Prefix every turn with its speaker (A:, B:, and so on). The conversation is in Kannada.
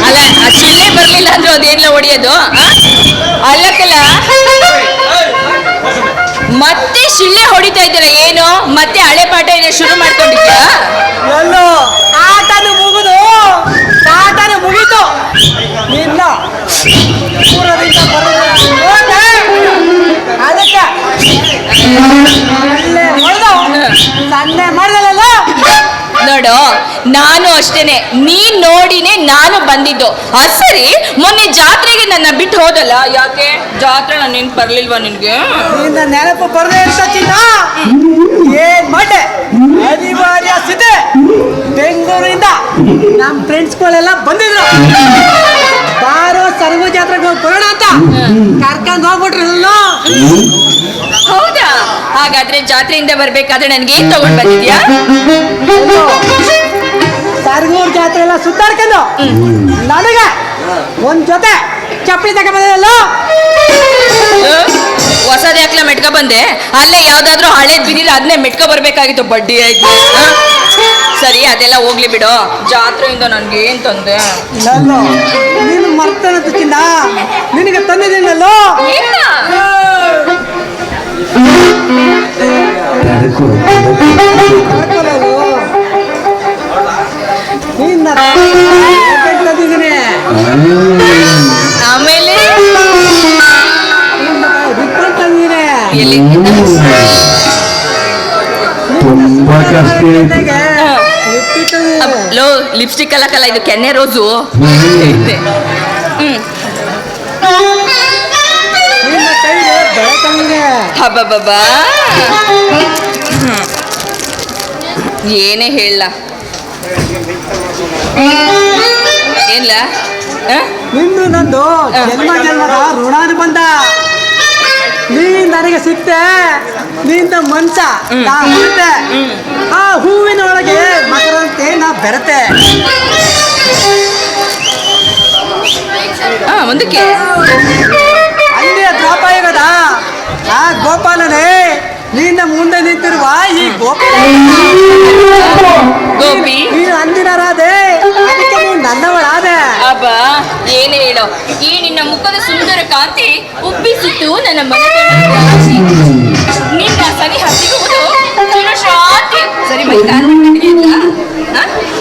A: ಅಲ್ಲ ಆ ಶಿಳ್ಳೆ ಬರ್ಲಿಲ್ಲ ಅಂದ್ರೆ ಅದೇನಿಲ್ಲ ಹೊಡಿಯೋದು ಅಲ್ಲಕ್ಕಲ್ಲ. ಮತ್ತೆ ಶಿಳ್ಳೆ ಹೊಡಿತಾ ಇದ್ದೀರ ಏನು? ಮತ್ತೆ ಹಳೆ ಪಾಠ ಏನೋ ಶುರು ಮಾಡ್ಕೊಂಡಿದ್ಯಾ?
B: ಎಲ್ಲೋ ಆಟನು ಮುಗಿದು ಆಟನು ಮುಗೀತು. ನಿನ್ನ ಪೂರದಿಂದ ಅದಕ್ಕೆ ಸನ್ನೆ ಮಾಡಿದಲ್ಲ.
A: ನೋಡು, ನಾನು ಅಷ್ಟೇನೆ, ನೀನ್ ನೋಡಿನೇ ನಾನು ಬಂದಿದ್ದು. ಸರಿ, ಮೊನ್ನೆ ಜಾತ್ರೆಗೆ ನನ್ನ ಬಿಟ್ಟು ಹೋದಲ್ಲ, ಯಾಕೆ? ಜಾತ್ರೆ ನಾನು ನೆನ್ಪು ಬರ್ಲಿಲ್ವಾ ನಿನ್ಗೆ?
B: ನಿನ್ನ ನೆನಪು ಬರದೇ ಅಂತ ಚಿನ್ನ ಏನ್ ಮಾಡೆ ಅನಿವಾರ್ಯ ಸಿದ್ದೆ. ಬೆಂಗಳೂರಿಂದ ನಮ್ಮ ಫ್ರೆಂಡ್ಸ್ಗಳೆಲ್ಲ ಬಂದಿದ್ರು. ಬಾರೋ ಸರ್ವ ಜಾತ್ರೆಗೆ ಹೋಗಿ ಬರೋಣ ಅಂತ ಕರ್ಕೊಂಡು ಹೋಗ್ಬಿಟ್ರಲ್ಲ.
A: ಹೌದಾ? ಹಾಗಾದ್ರೆ ಜಾತ್ರೆಯಿಂದ ಬರ್ಬೇಕಾದ್ರೆ ನನ್ಗೆ ಏನ್ ತಗೊಂಡ್ ಬಂದಿದ್ಯಾ?
B: ಸರ್ಗೂರ್ ಜಾತ್ರೆ ಎಲ್ಲ ಸುತ್ತಾಡ್ಕೊಂಡು ನನಗೆ ಒಂದ್ ಜೊತೆ ಚಪ್ಪಲಿ ತಗೊಂಡ್ಬಂದಿರಲ್ಲ.
A: ಹೊಸದ ಯಾಕ್ಲ ಮೆಟ್ಕ ಬಂದೆ? ಅಲ್ಲೇ ಯಾವ್ದಾದ್ರು ಹಳೇದ್ ಬಿದ್ದಿಲ್ಲ, ಅದನ್ನೇ ಮೆಟ್ಕ ಬರ್ಬೇಕಾಗಿತ್ತು. ಬಡ್ಡಿ ಆಯ್ತು. ಸರಿ, ಅದೆಲ್ಲ ಹೋಗ್ಲಿ ಬಿಡು. ಜಾತ್ರೆಯಿಂದ ನನ್ಗೆ ಏನ್ ತಂದೆ?
B: ನೀನು ಮರ್ತನಂತ ಚಿನ್ನ, ನಿನಗೆ ತಂದಿದ್ದೀನಲ್ಲೋ. ತಂದಿದ್ದೀನಿ.
A: ಆಮೇಲೆ
B: ತಂದಿದ್ದೀನಿ.
A: ಲೋ, ಲಿಪ್ಸ್ಟಿಕ್ ಅಲ್ಲಕ್ಕಲ್ಲ, ಇದು ಕೆನ್ನೆ ರೋಸು. ಹಬ್ಬಬ್ಬಾ, ಏನೇ ಹೇಳ ಏನ್ಲ?
B: ನಿಂದು ನಂದು ಜನ್ಮ ಜನ್ಮದ ಋಣಾನು ಬಂದ. ನೀನ್ ನನಗೆ ಸಿಕ್ತೆ, ನಿಂದ ಮನ್ಸ ನಾ ಹುಡುತೆ. ಆ ಹೂವಿನ ಒಳಗೆ ಮಕರಂತೆ ನಾ ಬೆರತೆ.
A: ಮುಂದಕ್ಕೆ
B: ಅಲ್ಲಿ ದ್ವಾಪಾಯಗದ ಆ ಗೋಪಾಲನೇ ನಿನ್ನ ಮುಂದೆ ನಿಂತಿರುವ ಈ
A: ಗೋಪಿ.
B: ನೀನು ಅಂದಿನ ರಾಧೆ, ಅದಕ್ಕೆ ನೀನು ನನ್ನವಳಾದೆ.
A: ಅಬ್ಬ, ಏನೇ ಹೇಳೋ, ಈ ನಿನ್ನ ಮುಖದ ಸುಂದರ ಕಾಂತಿ ಉಬ್ಬಿಸಿತ್ತು ನನ್ನ ಮನದ ನಿನ್ನ ಸನಿಹ ಸಿಗುವುದು ಚಿರಶಾಂತಿ. ಸರಿ, ಮೈ ಕಾಲು